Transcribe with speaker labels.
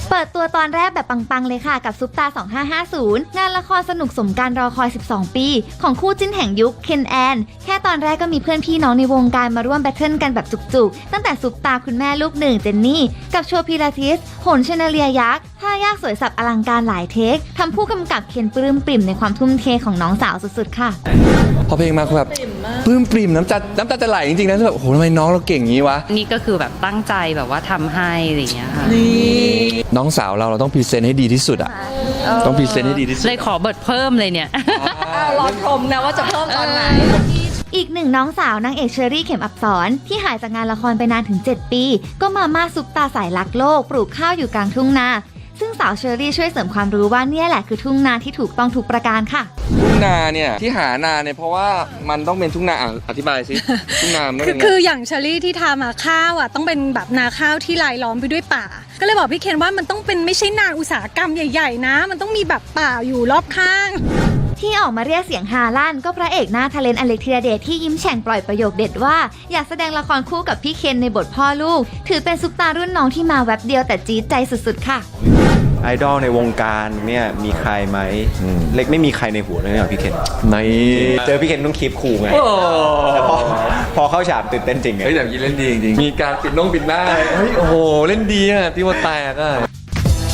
Speaker 1: เปิดตัวตอนแรกแบบปังๆเลยค่ะกับซุปตา 2550 งานละครสนุกสมการรอคอย 12 ปี ของคู่จิ้นแห่งยุคเคนแอนแค่ตอนแรกก็มีเพื่อนพี่น้องในวงการมาร่วมแบทเทิลกันแบบจุกๆ ตั้งแต่ซุปตาคุณแม่ลูกหนึ่งเจนนี่กับโชว์พิลาทิสโหนเชนเลียยักษ์ท่ายากสวยสับอลังการหลายเทคทำผู้กำกับเคนปลื้มปริ่มในความทุ่มเทของน้องสาวสุดๆค่ะ
Speaker 2: พอเพลงมาคือแบบปลื้มปริ่มน้ำตาจะไหลจริงๆนะแบบโอ้โหทำไมน้องเราเก่งงี้วะ
Speaker 3: นี่ก็คือแบบตั้งใจแบบว่าทำให้อะไรอย่างเงี้ยค่ะ
Speaker 2: น้องสาวเราต้องพรีเซนต์ให้ดีที่สุดอ่ะต้องพรีเซนต์ให้ดีที่สุด
Speaker 3: เลยขอเบิดเพิ่มเลยเนี่ย
Speaker 4: รอชมนะว่าจะเพิ่มตอนไหน
Speaker 1: อีกหนึ่งน้องสาวนางเอกเชอรี่เข็มอับสรที่หายจากงานละครไปนานถึง 7 ปี ก็มาม่าซุปตาสายรักโลกปลูกข้าวอยู่กลางทุ่งนาซึ่งสาวเชอรี่ช่วยเสริมความรู้ว่าเนี่ยแหละคือทุ่งนาที่ถูกต้องทุกประการค่ะ
Speaker 2: ทุ่งนาเนี่ยที่หานาเนี่ยเพราะว่ามันต้องเป็นทุ่งนาอธิบายสิ ทุ่งนามันเป็น
Speaker 4: คืออย่างเชอรี่ที่ทำมาข้าวอ่ะต้องเป็นแบบนาข้าวที่รายล้อมไปด้วยป่าก็เลยบอกพี่เคนว่ามันต้องเป็นไม่ใช่นาอุตสาหกรรมใหญ่ๆนะมันต้องมีแบบป่าอยู่รอบข้าง
Speaker 1: ที่ออกมาเรียกเสียงฮาลั่นก็พระเอกหน้าทะเลนอเล็กธีรเดชที่ยิ้มแฉ่งปล่อยประโยคเด็ดว่าอยากแสดงละครคู่กับพี่เคนในบทพ่อลูกถือเป็นซุปตารุ่นน้องที่มาแวบเดียวแต่จี๊ดใจสุดๆค่ะ
Speaker 5: ไอดอลในวงการเนี่ยมีใครไหมเล็กไม่มีใครในหัวเลยนะพี่เคนเจอพี่เคนต้องคีปคูลไงแต่พอเข้าฉากตื่นเต้นจริงไง
Speaker 2: เฮ้ยแต่ยี่เล่นดีจริงมีการปิดหน้าเฮ้ยโอ้โหเล่นดีอ่ะที่ว่าแตกอ่ะ